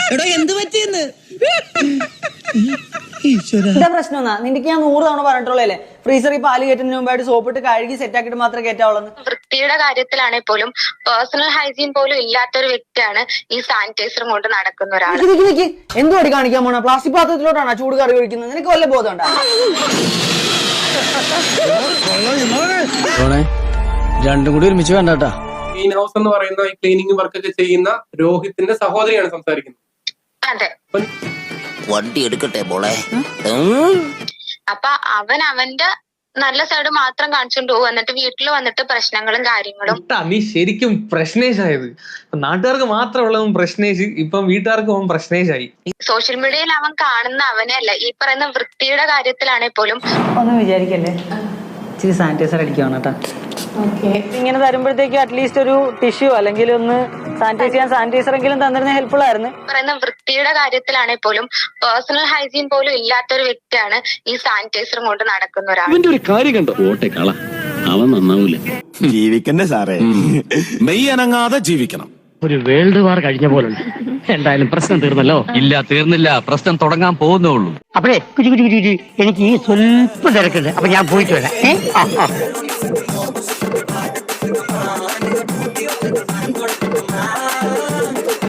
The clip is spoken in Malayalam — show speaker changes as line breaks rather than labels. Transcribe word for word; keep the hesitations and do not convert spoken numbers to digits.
എടോ എന്ത് പറ്റിയെന്ന്
എന്താ പ്രശ്നം എന്നാ നിനക്ക് ഞാൻ നൂറ് തവണ പറഞ്ഞിട്ടുള്ളല്ലേ ഫ്രീസറിൽ പാല് കയറ്റുന്നതിന് മുമ്പായിട്ട് സോപ്പിട്ട് കഴുകി സെറ്റ് ആക്കിയിട്ട് മാത്രമേ കയറ്റാവുള്ളൂ.
വൃത്തിയുടെ കാര്യത്തിലാണെങ്കിൽ പോലും പേഴ്സണൽ ഹൈജീൻ പോലും ഇല്ലാത്തൊരു വ്യക്തിയാണ് ഈ സാനിറ്റൈസറും കൊണ്ട് നടക്കുന്ന ഒരാൾ.
എന്തുവാടി കാണിക്കാൻ പോണ? പ്ലാസ്റ്റിക് പാത്രത്തിലോട്ടാണ് ചൂട് കറി ഒഴിക്കുന്നത്. നിനക്ക് വല്ല ബോധം ഉണ്ടോ?
രണ്ടും കൂടി ഒരുമിച്ച് വേണ്ടാ.
ക്ലീൻ ഹൗസ് എന്ന് പറയുന്ന ഈ ക്ലീനിങ് വർക്ക് ഒക്കെ ചെയ്യുന്ന രോഹിത്തിന്റെ സഹോദരിയാണ് സംസാരിക്കുന്നത്.
അതെ,
വണ്ടി എടുക്കട്ടെ മോളെ.
അപ്പൊ അവൻ അവന്റെ നല്ല സൈഡ് മാത്രം കാണിച്ചോണ്ട് പോകും. എന്നിട്ട് വീട്ടിൽ വന്നിട്ട് പ്രശ്നങ്ങളും കാര്യങ്ങളും.
നീ ശരിക്കും പ്രശ്നേഷായത്. നാട്ടുകാർക്ക് മാത്രമുള്ളതും പ്രശ്നേഷ്, ഇപ്പം വീട്ടുകാർക്ക് അവൻ പ്രശ്നേഷായി.
സോഷ്യൽ മീഡിയയിൽ അവൻ കാണുന്ന അവനെ അല്ല, ഈ പറയുന്ന വൃത്തിയുടെ കാര്യത്തിലാണെങ്കിൽ പോലും.
ഒന്നും വിചാരിക്കല്ലേ, ഇച്ചിരി സാനിറ്റൈസർ അടിക്കുവാണ് കേട്ടോ. ഇങ്ങനെ തരുമ്പോഴത്തേക്ക് അറ്റ്ലീസ്റ്റ് ഒരു ടിഷ്യൂ അല്ലെങ്കിൽ ഒന്ന് സാനിറ്റൈസ് ചെയ്യാൻ സാനിറ്റൈസർ എങ്കിലും തന്നിരുന്ന ഹെൽപ്ഫുൾ ആയിരുന്നു.
പറയുന്ന വൃത്തിയുടെ കാര്യത്തിലാണെങ്കിൽ പോലും പേഴ്സണൽ ഹൈജീൻ പോലും ഇല്ലാത്തൊരു വ്യക്തിയാണ് ഈ സാനിറ്റൈസറും കൊണ്ട് നടക്കുന്ന ഒരാൾ.
ഒരു കാര്യം കണ്ടോ, ഓട്ടെ കള അവൻ നന്നാവൂല.
ജീവിക്കണ്ടേ സാറേ, മെയ് അനങ്ങാതെ ജീവിക്കണം.
ഒരു വേൾഡ് വാർ കഴിഞ്ഞ പോലുണ്ട്. എന്തായാലും പ്രശ്നം തീർന്നല്ലോ?
ഇല്ല, തീർന്നില്ല. പ്രശ്നം തുടങ്ങാൻ പോകുന്നുള്ളൂ.
അപ്പഴേ എനിക്ക് ഈ സ്വല്പം തിരക്കുണ്ട്. അപ്പൊ ഞാൻ പോയിട്ട് വരാം.